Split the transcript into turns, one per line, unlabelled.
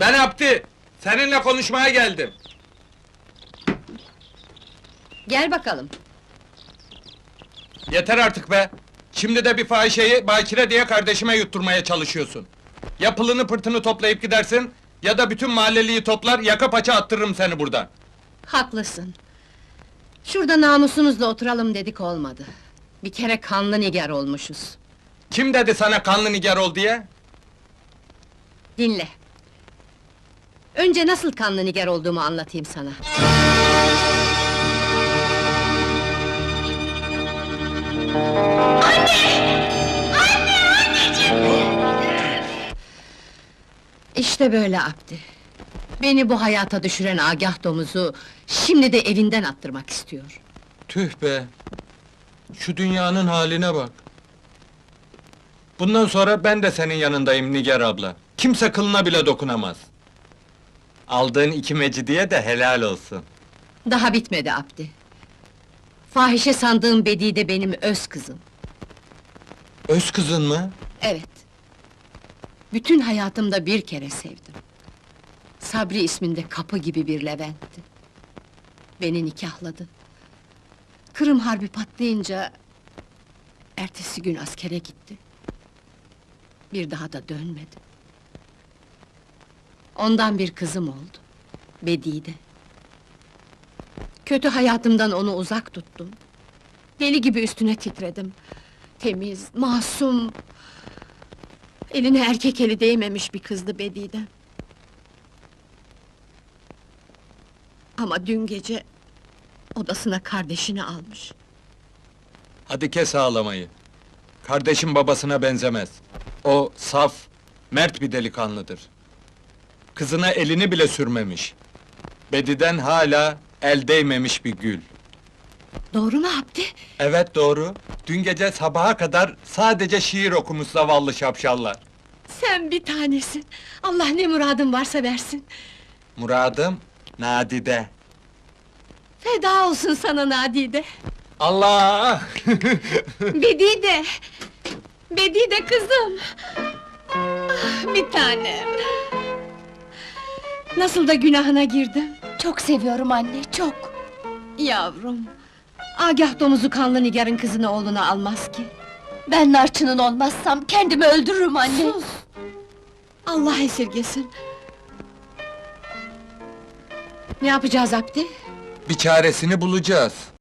Ben Abdi, seninle konuşmaya geldim.
Gel bakalım.
Yeter artık be! Şimdi de bir fahişeyi bakire diye kardeşime yutturmaya çalışıyorsun. Ya pılını pırtını toplayıp gidersin, ya da bütün mahalleliyi toplar, yaka paça attırırım seni buradan.
Haklısın. Şurada namusumuzla oturalım dedik, olmadı. Bir kere kanlı nigar olmuşuz.
Kim dedi sana kanlı nigar ol diye?
Dinle. Önce nasıl kanlı nigar olduğumu anlatayım sana. İşte böyle Abdi. Beni bu hayata düşüren Agah domuzu, şimdi de evinden attırmak istiyor.
Tüh be! Şu dünyanın haline bak! Bundan sonra ben de senin yanındayım Nigar abla. Kimse kılına bile dokunamaz. Aldığın 2 mecidiye de helal olsun.
Daha bitmedi Abdi. Fahişe sandığım Bedi de benim öz kızım.
Öz kızın mı?
Evet. Bütün hayatımda bir kere sevdim. Sabri isminde kapı gibi bir Levent'ti. Beni nikahladı. Kırım Harbi patlayınca... ertesi gün askere gitti. Bir daha da dönmedi. Ondan bir kızım oldu. Bedide. Kötü hayatımdan onu uzak tuttum. Deli gibi üstüne titredim. Temiz, masum... eline erkek eli değmemiş bir kızdı Bedide. Ama dün gece... odasına kardeşini almış.
Hadi kes ağlamayı. Kardeşim babasına benzemez. O saf, mert bir delikanlıdır. Kızına elini bile sürmemiş. Bediden hala el değmemiş bir gül.
Doğru mu Abdi?
Evet doğru. Dün gece sabaha kadar sadece şiir okumuş zavallı şapşallar.
Sen bir tanesin! Allah ne muradın varsa versin!
Muradım, nadide.
Feda olsun sana Nadide!
Allah!
Bedide! Bedide kızım! Ah, bir tanem! Nasıl da günahına girdim!
Çok seviyorum anne, çok!
Yavrum! Agah domuzu kanlı nigarın kızını oğluna almaz ki!
Ben narçının olmazsam kendimi öldürürüm anne!
Sus! Allah esirgesin! Ne yapacağız Abdi?
Bir çaresini bulacağız.